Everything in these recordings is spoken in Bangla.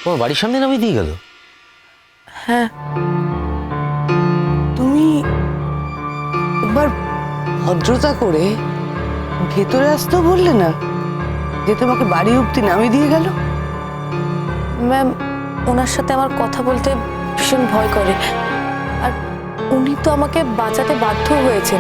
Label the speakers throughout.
Speaker 1: তোমার বাড়ির সামনে নামিয়ে দিয়ে গেল?
Speaker 2: হ্যাঁ।
Speaker 3: তুমি একবার ভদ্রতা করে ভেতরে আসতেও বললে না, যে তোমাকে বাড়ি অব্দি নামিয়ে দিয়ে গেল?
Speaker 2: ম্যাম, ওনার সাথে আমার কথা বলতে ভীষণ ভয় করে, আর উনি তো আমাকে বাঁচাতে বাধ্য হয়েছেন।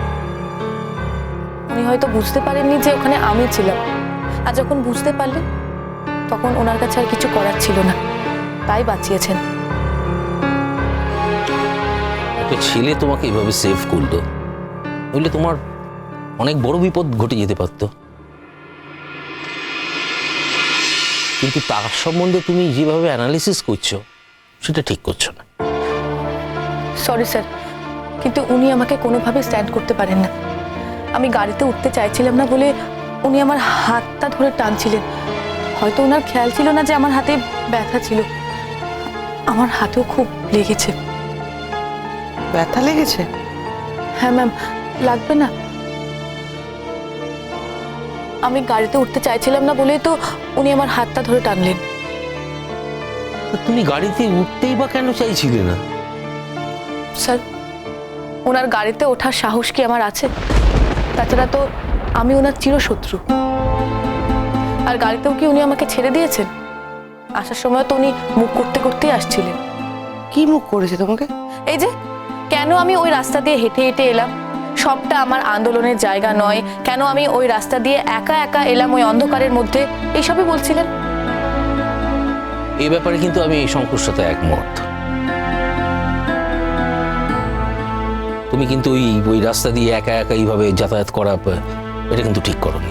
Speaker 2: উনি হয়তো বুঝতে পারেননি যে ওখানে আমি ছিলাম, আর যখন বুঝতে পারলেন তখন ওনার কাছে আর কিছু করার ছিল না, তাই বাঁচিয়েছেন।
Speaker 1: একটা ছেলে তোমাকে এভাবে সেভ করলো, বুঝলে তোমার অনেক বড় বিপদ ঘটে যেতে পারত। কিন্তু তার সম্বন্ধে তুমি যেভাবে অ্যানালিসিস করছো সেটা ঠিক করছো না।
Speaker 2: সরি স্যার, কিন্তু উনি আমাকে কোনোভাবে স্ট্যান্ড করতে পারেন না। আমি গাড়িতে উঠতে চাইছিলাম না বলে উনি আমার হাতটা ধরে টানছিলেন। হয়তো ওনার খেয়াল ছিল না যে আমার হাতে ব্যথা ছিল। আমার হাতেও খুব লেগেছে।
Speaker 3: ব্যথা লেগেছে?
Speaker 2: হ্যাঁ ম্যাম, লাগবে না? আমি গাড়িতে উঠতে চাইছিলাম না বলেই তো উনি আমার হাতটা ধরে টানলেন।
Speaker 1: তো তুমি গাড়িতে উঠতেই বা কেন চাইছিলে না?
Speaker 2: স্যার, ওনার গাড়িতে ওঠার সাহস কি আমার আছে? তাছাড়া তো আমি ওনার চিরশত্রু। আর গাড়িতেও কি উনি আমাকে ছেড়ে দিয়েছেন? আসার সময় তো উনি মুখ করতে করতেই আসছিলেন।
Speaker 3: কি মুখ করেছে তোমাকে?
Speaker 2: এই যে, কেন আমি ওই রাস্তা দিয়ে হেঁটে হেঁটে এলাম, সবটা আমার আন্দোলনের জায়গা নয়, কেন আমি ওই রাস্তা দিয়ে একা একা এলাম ওই অন্ধকারের মধ্যে, এইসবই বলছিলেন।
Speaker 1: এই ব্যাপারে কিন্তু আমি এই শঙ্কুর সাথে একমত। তুমি কিন্তু ওই রাস্তা দিয়ে একা একা এইভাবে যাতায়াত করা, এটা কিন্তু ঠিক করোনি।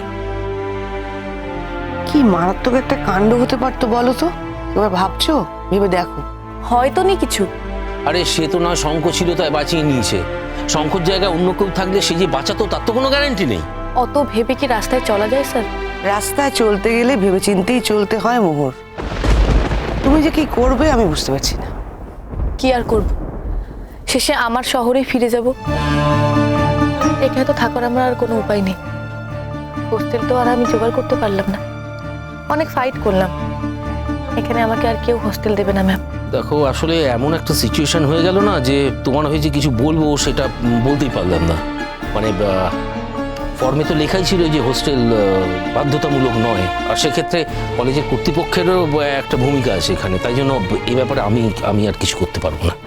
Speaker 3: কি মারাত্মক একটা কাণ্ড হতে পারতো বলো তো? এবার ভাবছো? ভেবে দেখো।
Speaker 2: হয়তো নি কিছু।
Speaker 1: আরে সে তো না শঙ্খ ছিল তাই বাঁচিয়ে নিয়েছে, শঙ্কর জায়গায় অন্য কেউ থাকলে সে যে বাঁচাতো তার তো কোনো গ্যারান্টি নেই।
Speaker 2: অত ভেবে কি রাস্তায় চলা যায় স্যার?
Speaker 3: রাস্তায় চলতে গেলে ভেবেচিন্তেই চলতে হয় মোহর। তুমি যে কি করবে আমি বুঝতে পারছি না।
Speaker 2: কি আর করব, শেষে আমার শহরে ফিরে যাব। এখানে তো থাকার আমার আর কোনো উপায় নেই। হোস্টেল তো আর আমি জোগাড় করতে পারলাম না, অনেক ফাইট করলাম। এখানে আমাকে আর কেউ হোস্টেল দেবে না ম্যাম।
Speaker 1: দেখো, আসলে এমন একটা সিচুয়েশন হয়ে গেল না যে তোমার হয়েছে কিছু বলবো সেটা বলতেই পারলাম না। মানে ফর্মে তো লেখাই ছিল যে হোস্টেল বাধ্যতামূলক নয়, আর সেক্ষেত্রে কলেজের কর্তৃপক্ষেরও একটা ভূমিকা আছে এখানে, তাই জন্য এই ব্যাপারে আমি আর কিছু করতে পারবো না।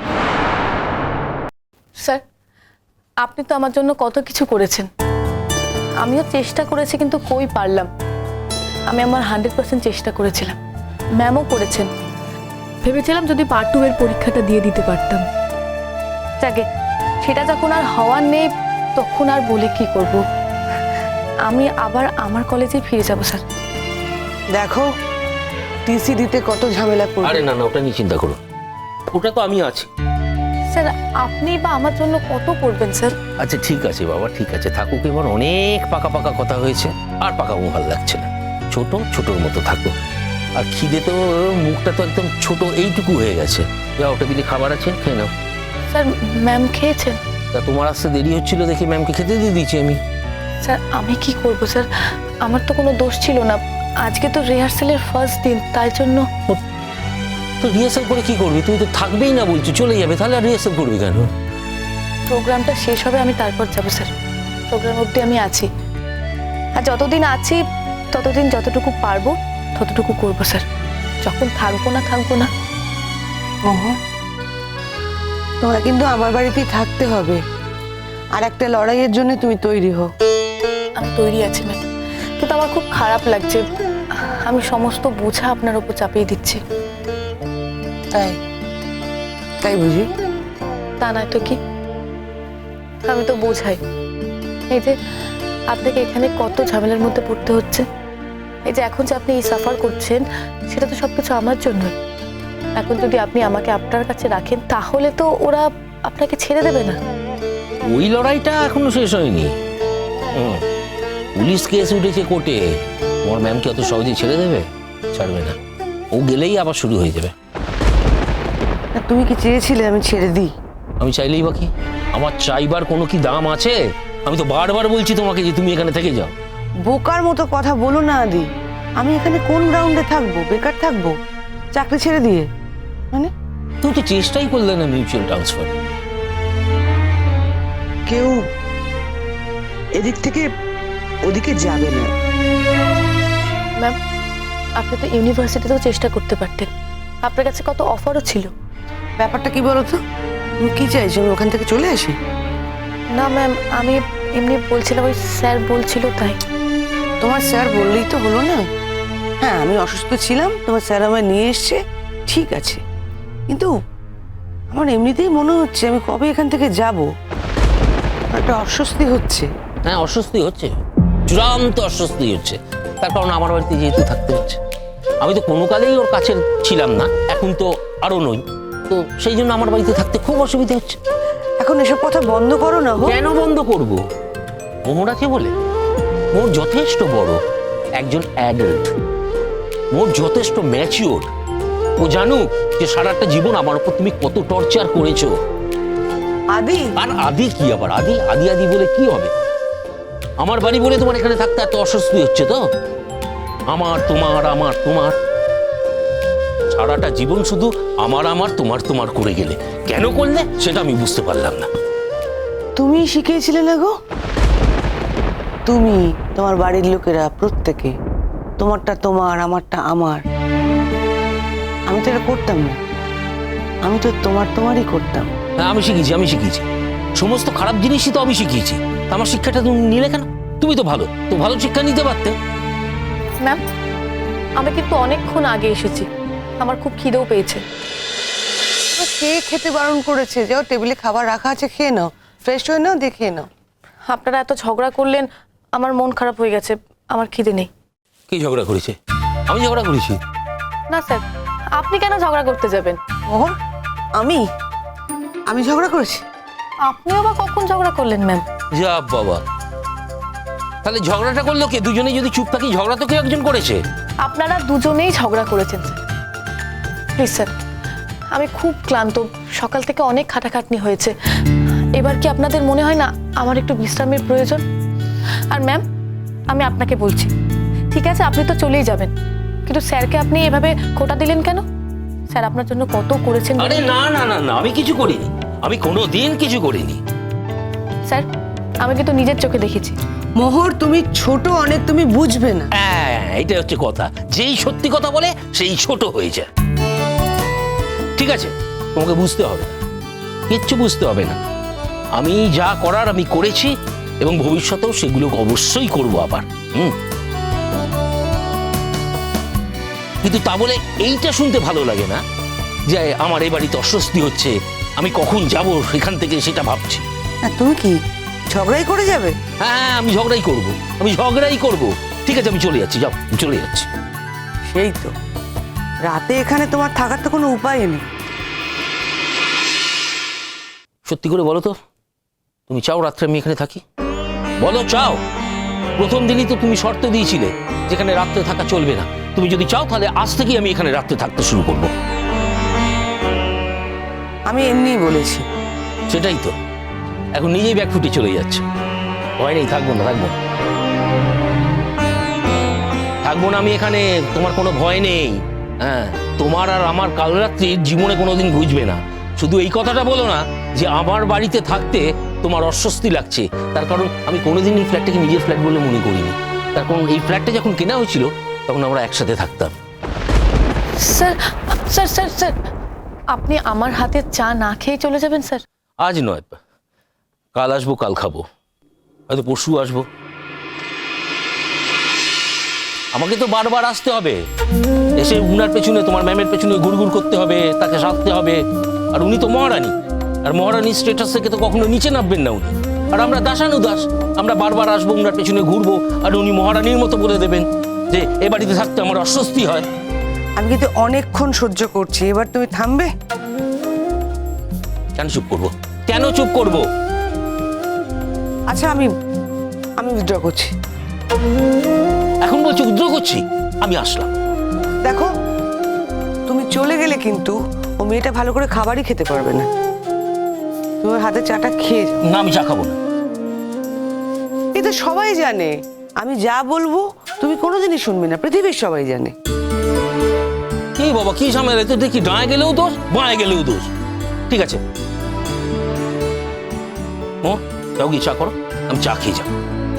Speaker 2: স্যার, আপনি তো আমার জন্য কত কিছু করেছেন, আমিও চেষ্টা করেছি, কিন্তু কই পারলাম। আমি আমার 100% চেষ্টা করেছিলাম, ম্যামও করেছেন। ভেবেছিলাম যদি পার্ট 2 এর পরীক্ষাটা দিয়ে দিতে পারতাম। যাকে সেটা যখন আর হওয়ার নেই, তখন আর বলে কি করব। আমি আবার আমার কলেজে ফিরে যাব স্যার।
Speaker 3: দেখো, টিসি দিতে কত ঝামেলা করবে।
Speaker 1: আরে না না, ওটা নিয়ে চিন্তা করো, ওটা তো আমি আছি।
Speaker 2: স্যার, আপনি বা আমার জন্য কত করবেন স্যার?
Speaker 1: আচ্ছা ঠিক আছে বাবা, ঠিক আছে, থাকুক। এবার অনেক পাকা পাকা কথা হয়েছে, আর পাকাবো ভালো লাগছে না। ছোটোর মতো থাকো। আর খিদে তো, মুখটা তো একদম ছোট এইটুকু হয়ে গেছে। যাও, টেবিলে খাবার আছে, খেয়ে নাও।
Speaker 2: স্যার, ম্যাম খেয়েছেন?
Speaker 1: তা তোমার আসতে দেরি হচ্ছিল দেখি ম্যামকে খেতে দিয়ে দিয়েছি আমি।
Speaker 2: স্যার, আমি কি করব স্যার, আমার তো কোনো দোষ ছিল না। আজকে তো রিহার্সালের ফার্স্ট দিন, তাই জন্য।
Speaker 1: তো রিহার্সাল করে কি করবি? তুমি তো থাকবেই না বলছো, চলে যাবে, তাহলে আর রিহার্সাল করবি কেন?
Speaker 2: প্রোগ্রামটা শেষ হবে, আমি তারপর যাব স্যার। প্রোগ্রাম অবধি আমি আছি, আর যতদিন আছি ততদিন যতটুকু পারবো ততটুকু করবো স্যার। যখন থাকবো না।
Speaker 3: মোহর, তোমার কিন্তু আমার বাড়িতেই থাকতে হবে, আর একটা লড়াইয়ের জন্য তুমি তৈরি হও।
Speaker 2: আমি তৈরি আছি ম্যাম, কিন্তু আমার খুব খারাপ লাগছে। আমি সমস্ত বোঝা আপনার উপর চাপিয়ে দিচ্ছি।
Speaker 3: তাই বুঝি?
Speaker 2: তা নয় তো কি, আমি তো বোঝাই। এই যে আপনাকে এখানে কত ঝামেলার মধ্যে পড়তে হচ্ছে, এই যে এখন যে আপনি এই সাফার করছেন, সেটা তো সবকিছু আমার জন্যই। এখন যদি আপনি আমাকে আপনার কাছে রাখেন, তাহলে তো ওরা আপনাকে ছেড়ে দেবে না।
Speaker 1: ওই লড়াইটা এখনো শেষ হয়নি। পুলিশ কেস উঠেছে কোর্টে, তোমার ম্যামকে অত সহজে ছেড়ে দেবে? ছাড়বে না, ও গেলেই আবার শুরু হয়ে যাবে।
Speaker 3: তুমি কি চেয়েছিলে আমি ছেড়ে দিই?
Speaker 1: আমি চাইলেই বাকি, আমার চাইবার কোনো কি দাম আছে? আমি তো বারবার বলছি তোমাকে যে তুমি এখানে থেকে যাও।
Speaker 3: বোকার মতো কথা বলো না আদি। আমি এখানে কোন গ্রাউন্ডে থাকবো? বেকার থাকবো? চাকরি ছেড়ে দিয়ে? মানে
Speaker 1: তুমি তো চেষ্টাই করলে না মিউচুয়াল ট্রান্সফার।
Speaker 3: কেউ এদিক থেকে ওদিকে যাবে না।
Speaker 2: ম্যাম, আপনি তো ইউনিভার্সিটিতেও চেষ্টা করতে পারতেন, আপনার কাছে কত অফারও ছিল।
Speaker 3: ব্যাপারটা কি বলো তো? তুমি কি চাইছো আমি ওখান থেকে চলে আসি?
Speaker 2: না ম্যাম, আমি এমনি বলছিলাম, ওই স্যার বলছিল তাই।
Speaker 3: তোমার স্যার বললেই তো হলো না? হ্যাঁ, আমি অসুস্থ ছিলাম, তোমার স্যার আমায় নিয়ে এসছে, ঠিক আছে, কিন্তু আমার এমনিতেই মনে হচ্ছে আমি কবে এখান থেকে যাব, একটা অস্বস্তি হচ্ছে।
Speaker 1: হ্যাঁ, অস্বস্তি হচ্ছে, চূড়ান্ত অস্বস্তি হচ্ছে। তার কারণ আমার বাড়িতে যেহেতু থাকতে হচ্ছে। আমি তো কোনো কালেই ওর কাছে ছিলাম না, এখন তো আরো নই, তো সেই জন্য আমার বাড়িতে থাকতে খুব অসুবিধা হচ্ছে।
Speaker 3: এখন এসব কথা বন্ধ করো না।
Speaker 1: কেন বন্ধ করব? মোহর আছে বলে? মোর যথেষ্ট বড় একজন অ্যাডাল্ট, মোর যথেষ্ট ম্যাচিওর। ও জানুক যে সারাটা জীবন আমার উপর তুমি কত টর্চার করেছো।
Speaker 3: আদি,
Speaker 1: আর আদি কি আবার? আদি আদি আদি বলে কি হবে? আমার বাড়ি বলে তোমার এখানে থাকতে এত অস্বস্তি হচ্ছে তো? আমার তোমার আমার তোমার, সারাটা জীবন শুধু আমার আমার তোমার তোমার করে গেলে। কেন করলে সেটা আমি বুঝতে পারলাম না।
Speaker 3: তুমি শিখিয়েছিলে না গো? তুমি, তোমার বাড়ির লোকেরা প্রত্যেকে, তোমারটা তোমার, আমারটা আমার। আমি তো এটা করতাম না, আমি তো তোমারই করতাম।
Speaker 1: হ্যাঁ, আমি শিখিয়েছি সমস্ত খারাপ জিনিসই তো আমি শিখিয়েছি। তা আমার শিক্ষাটা তুমি নিলে কেন? তুমি তো ভালো শিক্ষা নিতে পারতে।
Speaker 2: ম্যাম, আমি কিন্তু অনেকক্ষণ আগে এসেছি, আমার খুব খিদেও পেয়েছে।
Speaker 3: কে খেতে বারণ করেছে? যাও, টেবিলে খাবার রাখা আছে, খেয়ে নাও, ফ্রেশ হয়ে নাও, দেখিয়ে নাও।
Speaker 2: আপনারা এত ঝগড়া করলেন, আমার মন খারাপ হয়ে গেছে, আমার খিদে নেই।
Speaker 1: কি ঝগড়া করেছে? আমি ঝগড়া করেছি?
Speaker 2: না স্যার, আপনি কেন ঝগড়া করতে যাবেন?
Speaker 3: মোহর, আমি ঝগড়া করেছি?
Speaker 2: আপনিও বা কখন ঝগড়া করলেন ম্যাম?
Speaker 1: যা বাবা, তাহলে ঝগড়াটা করলো কে? দুজনে যদি চুপ থাকি, ঝগড়া তো কেউ একজন করেছে।
Speaker 2: আপনারা দুজনেই ঝগড়া করেছেন স্যার। প্লিজ স্যার, আমি খুব ক্লান্ত, সকাল থেকে অনেক খাটাখাটনি হয়েছে। এবার কি আপনাদের মনে হয় না আমার একটু বিশ্রামের প্রয়োজন? আর ম্যাম, আমি আপনাকে বলছি, ঠিক আছে আপনি তো চলেই যাবেন, কিন্তু স্যারকে আপনি এভাবে খোটা দিলেন কেন? স্যার আপনার জন্য কত করেছেন।
Speaker 1: আরে না না না না, আমি কিছু করিনি, আমি কোনো দিন কিছু করিনি।
Speaker 2: স্যার, আমি কিন্তু নিজের চোখে দেখেছি।
Speaker 3: মোহর, তুমি ছোট অনেক, তুমি বুঝবে না।
Speaker 1: হ্যাঁ, এটা হচ্ছে কথা, যেই সত্যি কথা বলে সেই ছোট হয়ে যায়। ঠিক আছে, তোমাকে বুঝতে হবে না, কিচ্ছু বুঝতে হবে না। আমি যা করার আমি করেছি, এবং ভবিষ্যতেও সেগুলো অবশ্যই করবো আবার। কিন্তু তা বলে এইটা শুনতে ভালো লাগে না যে আমার এই বাড়িতে অস্বস্তি হচ্ছে, আমি কখন যাব সেখান থেকে সেটা ভাবছি।
Speaker 3: তুমি কি ঝগড়াই করে যাবে?
Speaker 1: হ্যাঁ, আমি ঝগড়াই করব। ঠিক আছে, আমি চলে যাচ্ছি, যাও, আমি চলে যাচ্ছি।
Speaker 3: সেই তো, রাতে এখানে তোমার থাকার তো কোনো উপায় নেই।
Speaker 1: সত্যি করে বলো তো, তুমি চাও রাত্রে আমি এখানে থাকি? বলো, চাও? প্রথম দিনই তো তুমি শর্ত দিয়েছিলে যেখানে রাত্রে থাকা চলবে না। তুমি যদি চাও তাহলে আজ থেকেই আমি এখানে রাত্রে থাকতে শুরু করব।
Speaker 3: আমি এমনিই বলেছি।
Speaker 1: সেটাই তো, এখন নিজেই ব্যাগ ফুটে চলে যাচ্ছে। ভয় নেই, থাকবো না আমি এখানে, তোমার কোনো ভয় নেই। হ্যাঁ, তোমার আর আমার কাল রাত্রির জীবনে কোনোদিন ঘুচবে না। শুধু এই কথাটা বলো না যে আমার বাড়িতে থাকতে তোমার অস্বস্তি লাগছে, তার কারণ আমি কোনোদিন এই ফ্ল্যাটটাকে নিজের ফ্ল্যাট বলে মনে করিনি। তার কারণ এই ফ্ল্যাটটা যখন কেনা হয়েছিল তখন আমরা একসাথে থাকতাম।
Speaker 2: স্যার স্যার স্যার স্যার, আপনি আমার হাতে চা না খেয়ে চলে যাবেন স্যার?
Speaker 1: আজ নয়, কাল আসবো, কাল খাবো, হয়তো পরশু আসবো। আমাকে তো বারবার আসতে হবে, এসে উনার পেছনে, তোমার ম্যামের পেছনে ঘুরঘুর করতে হবে, তাকে সাধতে হবে। আর উনি তো মহারানী, আর মহারানীর স্ট্যাটাস থেকে তো কখনো নিচে নামবেন না উনি। আর আমরা দাসানুদাস, আমরা বারবার আসবো, উনার পেছনে ঘুরবো, আর উনি মহারানীর মতো বলে দেবেন যে এ বাড়িতে থাকতে আমার অস্বস্তি হয়।
Speaker 3: আমি কিন্তু অনেকক্ষণ সহ্য করছি, এবার তুমি থামবে?
Speaker 1: কেন চুপ করবো?
Speaker 3: আচ্ছা, আমি উইথড্র করছি।
Speaker 1: এখন বলছি উদ্র করছি? আমি আসলাম।
Speaker 3: দেখো, তুমি চলে গেলে কিন্তু ও মেয়েটা ভালো করে খাবারই খেতে পারবে না। তুমি ওর হাতে চাটা খেয়ে যাও।
Speaker 1: না, আমি চা খাবো না।
Speaker 3: এই তো সবাই জানে, আমি যা বলবো তুমি কোনোদিনই শুনবে না, পৃথিবীর সবাই জানে।
Speaker 1: কি বাবা কি ঝামেলা, তো দেখি ডাঁয়ে গেলেও দোষ বাঁয়ে গেলেও দোষ। ঠিক আছে ও যাও গিয়ে চা করো, আমি চা খেয়ে যাবো।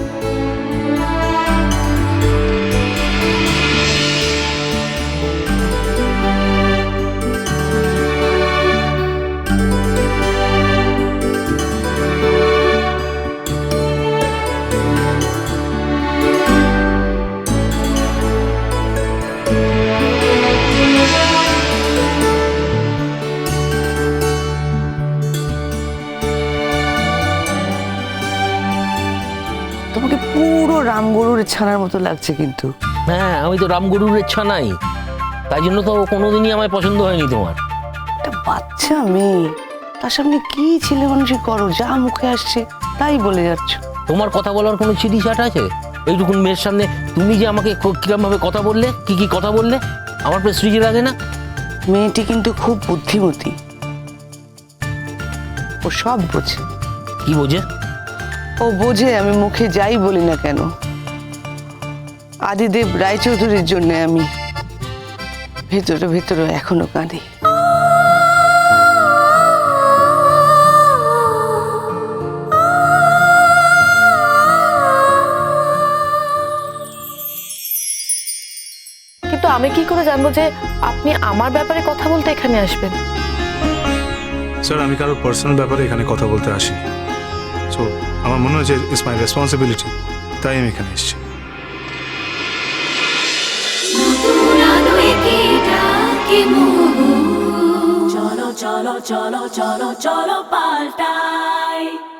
Speaker 3: তোমাকে পুরো রামগরুর ছানার মতো লাগছে কিন্তু।
Speaker 1: হ্যাঁ আমি তো রামগরুর ইচ্ছা নাই, তাই জন্য তো কোনোদিনই আমায় পছন্দ হয়নি তোমার।
Speaker 3: একটা বাচ্চা মেয়ে, তার সামনে কি ছেলে মানুষই করো, যা মুখে আসছে তাই বলে যাচ্ছ।
Speaker 1: তোমার কথা বলার কোনো চিঠি চাট আছে? এইটুকুন মেয়ের সামনে তুমি যে আমাকে কিরম ভাবে কথা বললে, কি কথা বললে, আমার প্রেস্টিজে লাগে না?
Speaker 3: মেয়েটি কিন্তু খুব বুদ্ধিমতী, ও সব বোঝে।
Speaker 1: কি বোঝে?
Speaker 3: ও বোঝে আমি মুখে যাই বলি না কেন, আদিদেব রায়চৌধুরীর জন্য আমি ভেতরে ভেতরে এখনো কাঁদি।
Speaker 2: কিন্তু আমি কি করে জানবো যে আপনি আমার ব্যাপারে কথা বলতে এখানে আসবেন?
Speaker 4: স্যার আমি কারো পার্সোনাল ব্যাপারে এখানে কথা বলতে আসিনি, সো আমার মনে হয়েছে ইটস মাই রেসপন্সিবিলিটি, তাই আমি এখানে এসেছি।
Speaker 5: চলো চলো চলো চলো চলো পাল্টাই।